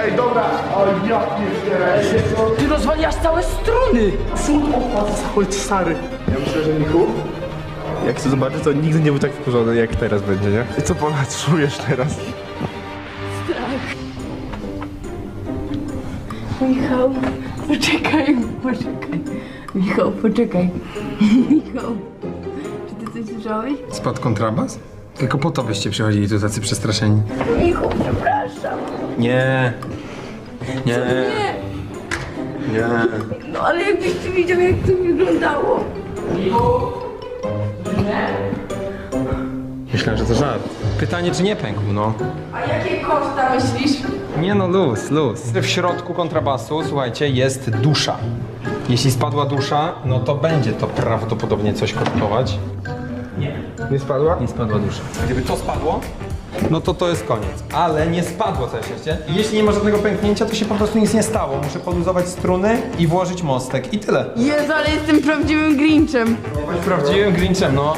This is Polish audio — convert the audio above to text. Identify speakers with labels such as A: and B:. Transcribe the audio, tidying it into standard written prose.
A: Ej, dobra. O, ja pierdzielę.
B: Ty rozwaliasz całe struny!
A: Cud opadł cały stary. Ja myślę, że Michu, jak to zobaczy, to nigdy nie był tak wkurzony, jak teraz będzie, nie? I co ponad czujesz teraz?
C: Michał, poczekaj. Michał, poczekaj. Michał, czy ty coś słyszałeś?
D: Spadł kontrabas? Tylko po to byście przychodzili tu tacy przestraszeni.
C: Michał, przepraszam.
D: Nie. Nie. Nie.
C: No ale jakbyś ty widział, jak to wyglądało.
D: Myślałem, że to żart. Pytanie, czy nie pękł, no.
C: A jakie koszta myślisz?
D: Nie no, luz. W środku kontrabasu, słuchajcie, jest dusza. Jeśli spadła dusza, no to będzie to prawdopodobnie coś kosztować.
A: Nie spadła?
D: Nie spadła dusza. Gdyby to spadło, no to jest koniec. Ale nie spadło, całe szczęście. I jeśli nie ma żadnego pęknięcia, to się po prostu nic nie stało. Muszę poluzować struny i włożyć mostek. I tyle.
C: Jezu, ale jestem prawdziwym Grinchem.
D: Prawdziwym Grinchem, no.